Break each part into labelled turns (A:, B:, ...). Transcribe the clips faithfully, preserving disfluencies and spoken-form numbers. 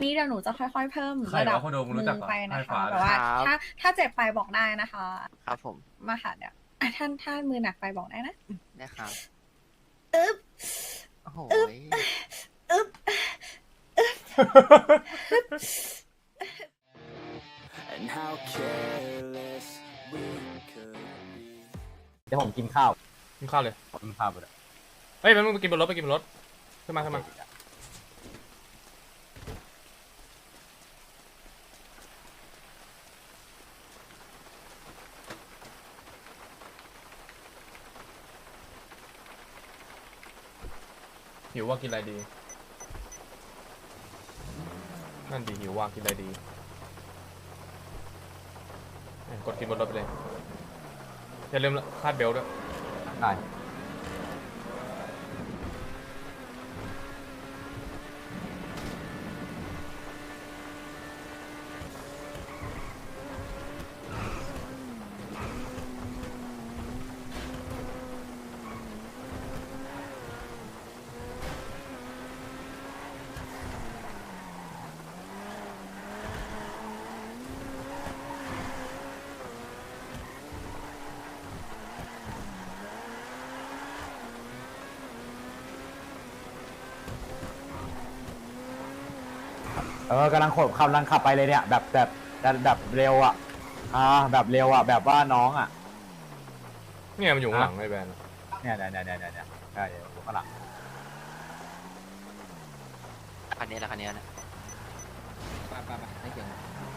A: นี่เดี๋ยวหนูจะค่อยๆเพิ่ม
B: ใคร
A: ระดับ
B: วะคนโดมรู้จักเหรอ
A: ไปนะ
B: ใต้
A: คะ
B: ฟ้า
A: แต่ว่า
C: ครับ
A: ถ้าถ้าเจ็บไปบอกได้นะคะ
C: ครับผม
A: มาค่ะเดี๋ยวอ่ะท่านท่านมือหนักไปบอกได้นะ
C: นะครับ
A: อึ๊บ
C: โอ้โห
A: อึ๊บ
D: And how careless we could be
E: เดี๋ยวผมกินข้าว
B: กินข้าวเลย
E: ผมกินข้าวไปเลย
B: เฮ้ยมันไปกินบนรถไปกินบนรถขึ้นมาขึ้นมาหิวว่ากินอะไรดีนั่นดีหิวว่ากินอะไรดีเอ้ยกดกินบนรถไปเลยอย่าลืมคาดเบลต์ด้วย
E: ได้ เออกำลังขบกำลังขับไปเลยเนี่ยแบบแบบแบบแบบเร็วอ่ะอ่าแบบเร็วอ่ะแบบว่าน้องอ่ะ
B: เนี่ยมันอยู่ข้างหลังไอ้แบรนด์
E: เนี่ยเนี่ยเนี่ยเนี่ยเนี่ยใช่อยู่ข้างหลัง
C: คันนี้แหละคันนี้นะ
F: ไปไปไปไม่เกี่ยว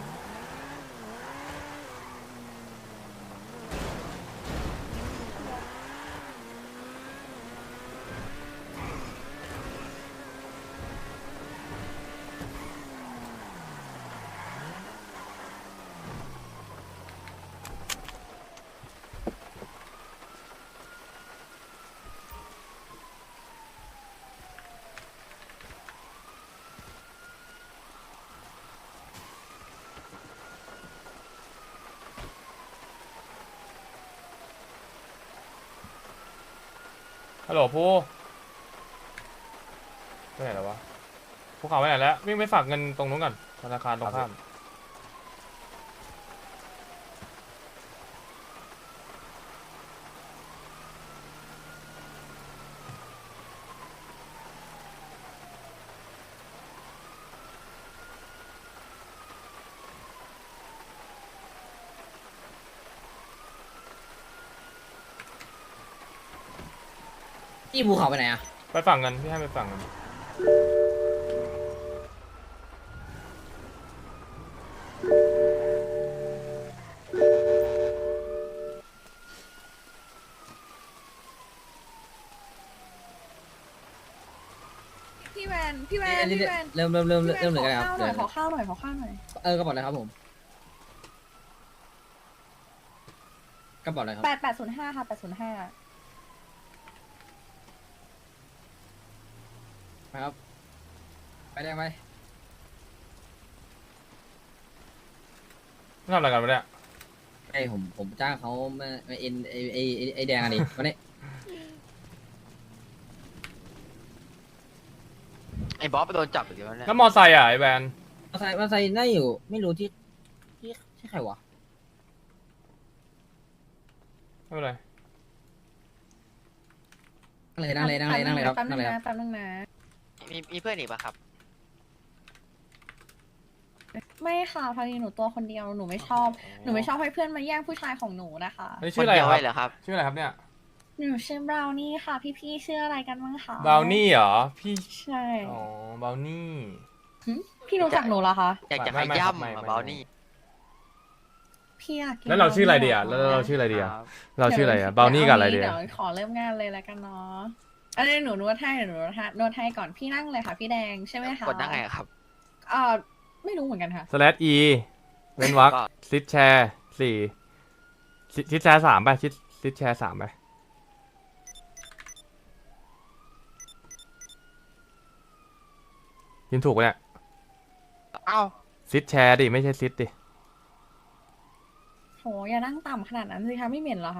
B: ฮัลโหลผู้ไปไหนแล้ววะภูเขาไปไหนแล้ววิ่งไปฝากเงินตรงนู้นก่อนธนาคารตรงข้าม
F: พี่ภูเขาไปไหนอ่ะ
B: ไปฝากเงินพี่ให้ไปฝากเงิน
A: พี่แวนพี่แวนพี่แวน
F: เริ่มเริ่มเริ่ม
A: พี่แวน
F: เริ่มเลย
A: ขอ
F: กันครับ
A: ข้าวหน่อยขอข้าวหน่อยขอข้าวหน่อย
F: เออกระเป๋าอะไรครับผมกระเป๋าอะไรครับ
A: แปดแปดศูนย์ห้าค่ะแปดศูนย์ห้า
F: ครับไปได้ไหม
B: ทำอะไรกันวะเนี่ย
F: ไอผมผมจ้างเขามามาเอ็นไอไอไอ้ไอแดงอันนี้วันนี้
C: ไอ้บอสไปโดนจับอีกแล้วเนี่ย
B: แล้วมอไซค์อ่ะไอ้แบรนด์
F: มาใส่มาใส่ได้อยู่ไม่รู้ที่ที่ที่ใครวะ
B: ไม่เป็นไร
F: นั่งเลยนั่งเลยนั่งเลยนั่งเลยครับ
A: แป๊บนึ
F: นั่ง
A: ง
F: เลยค
A: นะ
F: รับ
A: แป๊บนึงนะ
C: มีมีเพื่อนอีกปะครับ
A: ไม่ค่ะพอดีหนูตัวคนเดียวหนูไม่ชอบหนูไม่ชอบให้เพื่อนมาแย่งผู้ชายของหนูนะคะ
B: อันนี้
C: ค
B: ชื่
C: น
B: ออะไร
C: เดียว
B: ค
C: ไว้
B: รับ
C: เหรอครับ
B: ชื่ออะไรครับเนี่ย
A: หนูชื่อบราวนี่ค่ะ พี่ๆชื่ออะไรกันบ้างคะ
B: บราวนี่เหรอพี่
A: ใช่
B: อ๋อบราวนี่
A: หึพี่รู้จักหนูเหรอคะ
C: อยากจะ
B: ไม่
C: ให้
B: ไม่ครับไม่
C: ย่ำ
B: ไม่
C: อะบอสนี่
A: พี่อยากกิน
B: แล้วเราชื่ออะไรดีอ่ะ
A: บ
B: แล้ว
A: นี่ห
B: เราชื่ออะไรดี
C: ค
B: อ่ะ
C: รับ
B: เราชื่ออะไรอ่ะบราวนี่กับอะไรดี
A: เดี๋
B: อ่ะ
A: ยวขอเริ่มงานเลยแล้วกันเนาะอันนี้หนูนวดให้เดี๋ยวหนูนวดให้นวดให้ก่อนพี่นั่งเลยค่ะ พี่แดงใช่ไหมคะ
C: กดได้ไงอะครับ
A: เอ่อไม่รู้เหมือนกันค่ะ
B: สแลชอีเว้นวรรค
C: ก็
B: ซิดแชร์สี่ซิซิดแชร์สามไปซิดซิดแชร์สามไปยินถูกปะเนี่ย
C: เอ้า
B: ซิดแชร์ดิไม่ใช่ซิดดิ
A: โหอย่านั่งต่ำขนาดนั้นสิคะไม่เหม็นเหรอคะ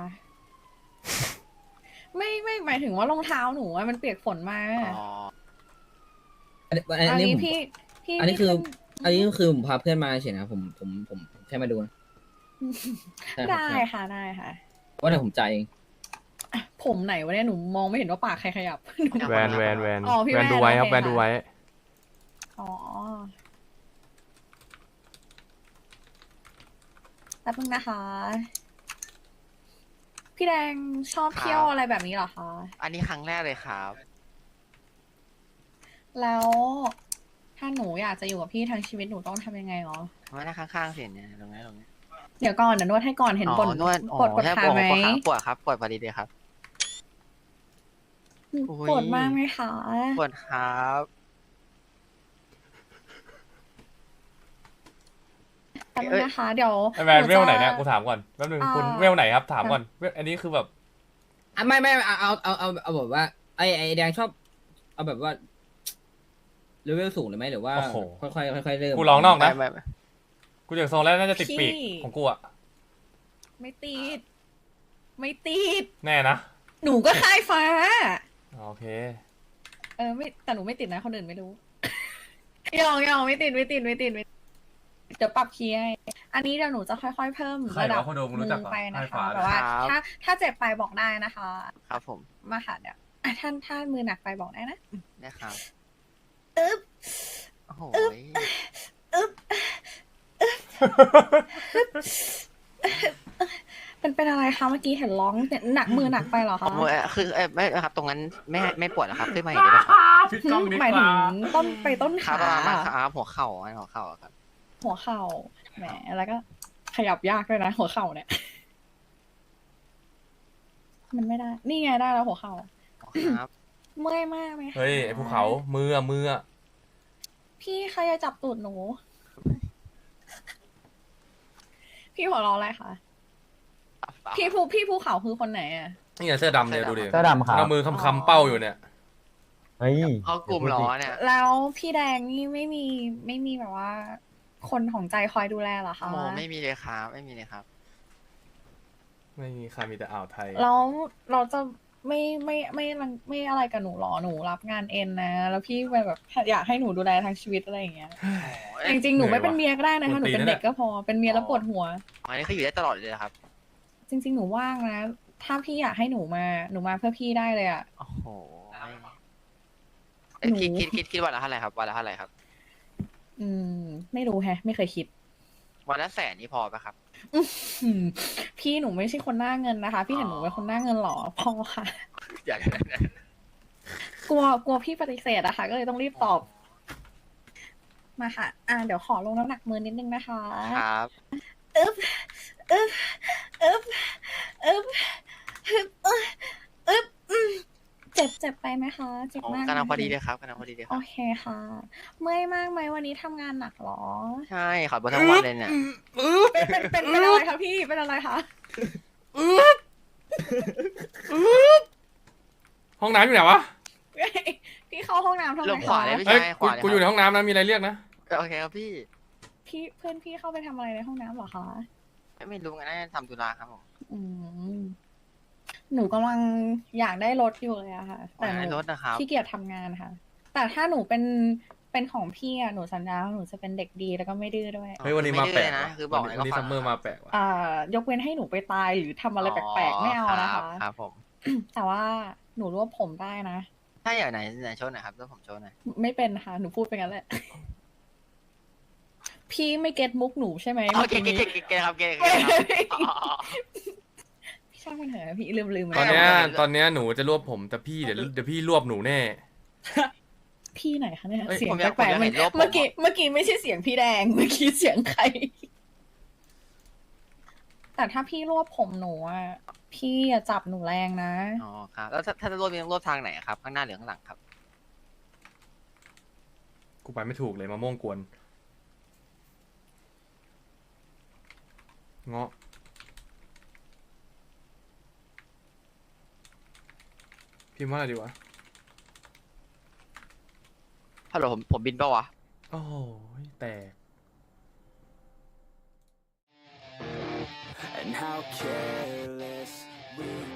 A: ไม่ไม่หมายถึงว่ารองเท้าหนูอะมันเปียกฝนมา
C: อ๋อ
F: อันนี้อัน
A: อัน
F: นี้
A: นี้
F: ผม
A: พี่พี่
F: อันนี้คือ
A: พี่
F: อันนี้ก็คือผมพาเพื่อนมาเฉยนะผมผมผมผมแค่มาดูนะใช่ครับ
A: ได้
F: ใช่
A: ค่ะได้ค่ะ
F: ว่าแต่ผมจ่ายเอง
A: อ่ะผมไหนวะเนี่ยหนูมองไม่เห็นว่าปากใครขยับ
B: แวนแวนแวน
A: อ๋อพี่
B: แวน
A: แวน
B: ดูไว้ครับ
A: โอเค
B: แวนดู
A: ค่ะ
B: ไว้
A: อ๋อแป๊บนึงนะคะ พี่แดงชอบ
C: ครับ
A: เที่ยวอะไรแบบนี้เหรอคะ
C: อันนี้ครั้งแรกเลยครับ
A: แล้วถ้าหนูอยากจะอยู่กับพี่ทั้งชีวิตหนูต้องทำยังไงหรอ
C: ไม่ได้ข้างๆเสียเนี่ยตรงนี้ตรงนี้
A: เดี๋ยวก่อนเดี๋ยวนวดให้ก่อนเห็น
C: อ๋
A: ปวด
C: อนวดอ๋อ
A: ปวดปวด
C: ใช่
A: ขา
C: ปวด
A: ไหม
C: ปวดขาปวดครับปวดพอดีเลยครับ โอ้ย
A: ปวดมากไหมคะ
C: ปวดครับ
A: แป๊บนึงนะคะ เดี๋ยว
B: ไอแวน
A: นู
B: เวลไหนเนี่ย
A: จะ
B: กูถามก่อนแป๊บนึง
A: อ่า
B: คุณเวลไหนครับถามก่อนเวลอันนี้คือแบบ
F: อ่ะไม่ไม่เอาเอาเอาเอาเอาแบบว่าไอไอแดงชอบ เอาแบบว่าเลเวลสูงเลยไหมหรือว่า
B: โอ้โห
F: ค่อยๆค่อยๆเริ่ม
B: กูร้องนอกนะ
C: ไม่ไม่ไม่
B: กูจากทรงแล้วน่าจะติดปีก
A: พี่
B: ของกูอะ
A: ไม่ติด ไม่ติด
B: แน่นะ
A: หนูก็ค่ายฟ้า
B: โอเค
A: เออไม่แต่หนูไม่ติดนะคนอื่นไม่รู้ ยองยองไม่ติดไม่ติดไม่ติดไม่ติดเดี๋ยวปรับคีย์ให้อันนี้เดี๋ยวหนูจะค่อยๆเพิ่ม
B: ใครวะ
A: ระดับ
B: คนดูมึงรู้จักเหรอ
A: ไปนะ
B: ค่าย
A: คะ
B: ฟ้า
A: แต่ว่าถ้าถ้าเจ็บไปบอกได้นะคะ
C: ครับผม
A: มาค่ะเดี๋ยวอ่ะท่านถ้ามือหนักไปบอกได้นะ
C: นะครับ
A: อึ๊บ
C: โอ้โห
A: อึ๊บเป็นเป็นอะไรคะเมื่อกี้เห็นร้องเนี่ยหนักมือหนักไปเหรอ
C: อ๋อ
A: คะ
C: มือคือเอ้ยไม่ครับ ตรงนั้นไม่ให้ไม่ปวดเหรอครับขึ้นมาอีกได้ไหมครับ
B: พี่ก้องดี
A: หมาย
B: ก
A: ถึง
B: ว่า
A: ต้นไปต้น
C: ครับ
A: ขา
C: ประมาณครับหัวเข่าอันหัวเข่าอะครับ
A: หัวเข่าแหมแล้วก็ขยับยากด้วยนะ หัวเข่าเนี่ย มันไม่ได้ นี่ไงได้แล้วหัวเข่า
C: ครับ
A: เมื่อยมากไหมคะ
B: เฮ้ยไอภูเขามืออะมืออะ
A: พี่ใครจะจับตูดหนู พี่หัวเราะอะไรคะพี่ภูพี่ภูเขาคือคนไหนอ่ะ
B: นี่ไงเสื้อดำเนี่ยดูดิ
E: เสื้อดำครับ
B: เอามือคำๆเป้าอยู่เนี่ย
E: เฮ้ย
C: เขากลุ่มล้อเนี่ย
A: แล้วพี่แดงนี่ไม่มีไม่มีแบบว่า คนของใจคอยดูแลเหรอคะ
C: โมไม่มีเลยครับ ไม่มีเลยครับ
B: ไม่มีใครมีแต่อ่าวไทย
A: แล้วเราจะไม่ไม่ไม่ไม่ไม่อะไรกับหนูหรอหนูรับงานเอ็นนะ แล้วพี่แบบอยากให้หนูดูแลทั้งชีวิตอะไรอย่างเงี้ยแต่จริงๆหนูไม่เป็นเมียก็ได้นะคะหนูเป็นเด็กก็พอเป็นเมียแล้วปวดหัว
C: อันนี้คืออยู่ได้ตลอดเลยเหรอครับ
A: จริง ๆ หนูว่างนะ ถ้าพี่อยากให้หนูมาหนูมาเพื่อพี่ได้เลยอ่ะ
C: โอ้โหเอ้ย
A: หนู
C: คิดคิดคิดคิดวันละเท่าไหร่ครับวันละเท่าไหร่ครับ
A: อืม ไม่รู้แฮะ ไม่เคยคิด
C: วันละแสนนี่พอปะครับ
A: อืมพี่หนูไม่ใช่คนหน้าเงินนะคะ พี่เห็นหนูเป็นคนหน้าเงินหรอพอค่ะ
C: อยาก
A: กลัวกลัวพี่ปฏิเสธอะค่ะ ก็เลยต้องรีบตอบ มาค่ะ อ่าเดี๋ยวขอลงน้ำหนักมือนิดนึงนะคะ
C: ครับ
A: อึ๊บอึ๊บอึ๊บอึ๊บอึ๊บอึ๊บอึ๊บอืมเจ็บเจ็บไปไหมคะเจ็บ
C: โอ้
A: มากไหม
C: กำลังพอดีเลยครับกำลังพอดีเลยค
A: โอ
C: รับ
A: เคค่ะ เมื่อยมากไหมวันนี้ทำงานหนักเหรอ
C: ใช่ขับบนทั้งวันเลยเนี่ย
A: เป็นเป็นเป็นเป็นอะไรคะพี่เป็นอะไรคะ
B: ห้องน้ำอยู่ไหนวะ
A: พี่เข้าห้องน้ำทำไม
C: ลงขวา
A: คะ
C: เลยพี่
B: เอ้ย
C: ใช่ข
B: กู
C: วาเลย
B: กูอยู่ในห้องน้ำนะมีอะไรเรียกนะ
C: โอเคครับพี่
A: พี่เพื่อนพี่เข้าไปทำอะไรในห้องน้ำเหรอคะ
C: ไม่รู้งั้นน่าจะทำธุระครับผม
A: อืมหนูกำลังอยากได้รถอยู่เลยอะค่ะ แต่ห
C: ใน
A: นู
C: รถนะครับ
A: ขี้เกียจทำงานค่ะ แต่ถ้าหนูเป็นเป็นของพี่อะหนูสัญญาว่าหนูจะเป็นเด็กดีแล้วก็ไม่ดื้อด้วย
B: เฮ้ยวันนี้มาแปลก
C: ไดื้อนะ
B: ว่ะ
C: คือบอก
B: วัน
C: เลย
B: นี้วันนี้
C: ก็
B: ซัมเมอร์มาแปลกว่ะ
A: อ่ายกเว้นให้หนูไปตายหรือทำอะไรแปลกๆไม่เอานะคะ
C: ครับผม
A: แต่ว่าหนูรวบผมได้นะ
C: ถ้าอย่างไหนไหนโชว์หน่อยครับแล้วผมโชว์หน่อย
A: ไม่เป็นค่ะ หนูพูดไปงั้นแหละ พี่ไม่เก็ตมุกหนูใช่ไหม
C: โอ
A: เมื่อ
C: เค
A: กี้
C: เก
A: นี้
C: เกเกครับเกเกครับอ๋อ
A: พี่ช่างมันเถอะพี่ลืมลืม
B: ตอน
A: ไป
B: เนี้ย
C: ไม่
B: ตอนเนี้ยหนูจะรวบผมแต่พี่เดี๋ยวเดี๋ยวพี่รวบหนูแน่
A: พี่ไหนคะเนี่ย
B: เอ้ย
A: เสียง
C: ผมอยาก
A: แปลก
C: ผมอยาก
A: ๆ
C: เห็นรูปผม
A: เมื่อกี้เมื่อกี้ไม่ใช่เสียงพี่แดง เมื่อกี้เสียงใคร แต่ถ้าพี่รวบผมหนูอ่ะพี่อย่าจับหนูแรงนะ
C: อ๋อครับแล้วถ้าถ้าจะรวบมีต้องรวบทางไหนครับข้างหน้าหรือข้างหลังครับ
B: กูไปไม่ถูกเลยมะม่วงกวนเงาะพิมพ์ว่าอะไรดีวะ
C: ฮัลโหลผมผมบินปะวะ
B: โอ้ยแตก
D: And how careless we